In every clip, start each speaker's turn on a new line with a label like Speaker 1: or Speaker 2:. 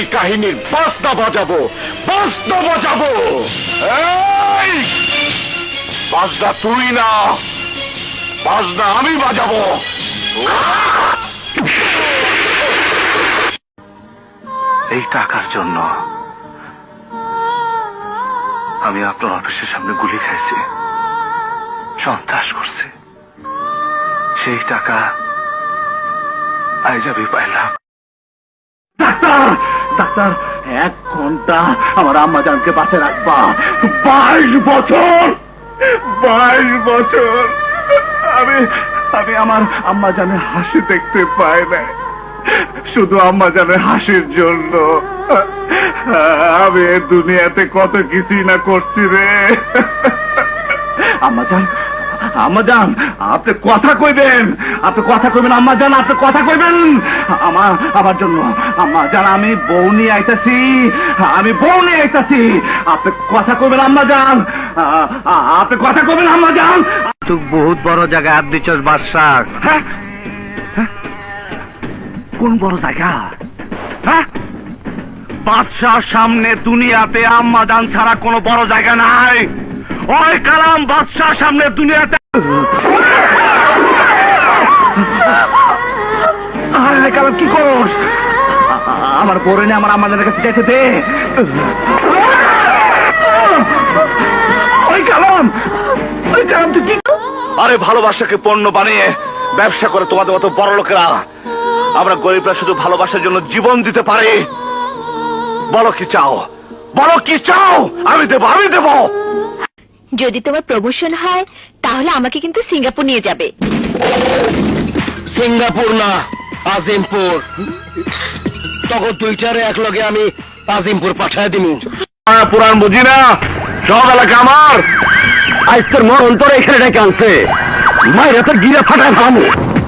Speaker 1: কাহিনীর বাজনা বাজাবো, বাজনা বাজাবো। এই বাজনা তুই না, বাজনা আমি বাজাবো। এই টাকার জন্য আমি আপনার অফিসের সামনে গুলি খাইছি, সন্ত্রাস করছি। সেই টাকা আজ আমি পাইলাম।
Speaker 2: ডাক্তার, ডাক্তার, 1 ঘন্টা আমার আম্মা জানকে বাঁচে রাখবা। 22 বছর, 22 বছর আমি আমার আম্মা জানে হাসি দেখতে পাই না, শুধু আম্মা জানে হাসির জন্য আমি দুনিয়াতে কত কিছুই না করছি রে। আম্মা জান, আম্মা জান, আপনি কথা কইবেন, আপনি কথা কইবেন আম্মা জান, আপনি কথা কইবেন আমার জন্য। আম্মা জান, আমি বউ নিয়ে আইতাছি, আমি বউ নিয়ে আইতাছি। আপনি কথা কইবেন আম্মা জান, আপনি কথা কইবেন আম্মা জান।
Speaker 3: তুই বহুত বড় জায়গায় হাত দিচ্ছস বাদশাহ।
Speaker 2: হ্যাঁ, কোন বড় জায়গা? হ্যাঁ,
Speaker 3: বাদশাহ সামনে দুনিয়াতে আম্মা জান ছাড়া কোনো বড় জায়গা নাই। ওই কালাম বাদশাহ সামনে দুনিয়াতে।
Speaker 2: আরে কালাম কি করস? আমার পরে নিয়ে আমার আম্মাদের কাছে যেতে দে। ওই কালাম, ওই কালাম তুই কি?
Speaker 1: আরে ভালোবাসাকে পণ্য বানিয়ে ব্যবসা করে তোমাদের মতো বড় লোকেরা, আমরা গরিবরা শুধু ভালোবাসার জন্য জীবন দিতে পারি। বলো কি চাও, বলো কি চাও, আমি দেবো, আমি দেবো।
Speaker 4: যদি তোমার প্রমোশন হয় তাহলে আমাকে কিন্তু সিঙ্গাপুর নিয়ে যাবে।
Speaker 1: সিঙ্গাপুর না, আজিমপুর। তখন টুইটারে একলগে আমি আজিমপুর পাঠায় দিন। পুরাণ বুঝি না, সব এলাকা আমার। আজ তোর মন অন্তর এখানে ডেকে আনছে, মায়ের তোর গিরা ফাটায় ভাবো।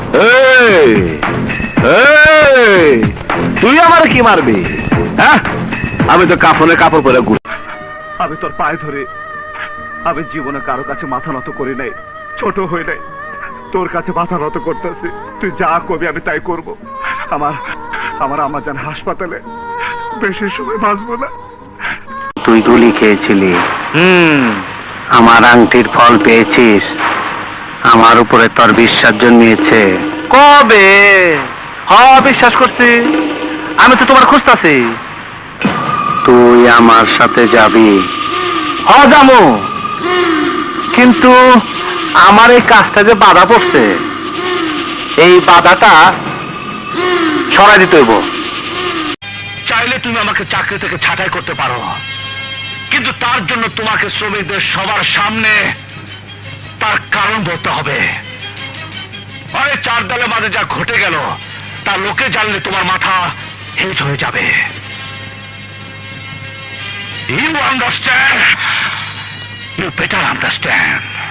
Speaker 1: তুই আমার কি মারবি? হ্যাঁ, আমি তো কাফনে কাপড় পরে ঘুরি।
Speaker 2: আমি তোর পায়ে ধরে, আমি জীবনে কারো কাছে মাথা নত করি নাই, ছোট হই নাই, তোর কাছে মাথা নত করতেছি। তুই যা করবি আমি তাই করব। আমার আম্মা জান হাসপাতালে, বেশি সময় বাঁচবো না।
Speaker 3: তুই গুলি খেয়েছিলি, আমার আংটির ফল পেয়েছিস, আমার উপরে তোর বিশ্বাস জন্মিয়েছে কবে? বিশ্বাস করছি, আমি তো তোমার খুঁজতাছি। তুই আমার সাথে যাবি? যাবো, কিন্তু আমার এই কাজটা যে বাধা পড়ছে, এই বাধাটা সরাই দিতে হইব।
Speaker 1: চাইলে তুমি আমাকে চাকরি থেকে ছাঁটাই করতে পারো, কিন্তু তার জন্য তোমাকে শ্রমিকদের সবার সামনে তার কারণ ধরতে হবে। আরে 4 দলে মাঝে যা ঘটে গেল তা লোকে জানলে তোমার মাথা হেজ হয়ে যাবে। You understand? You better understand.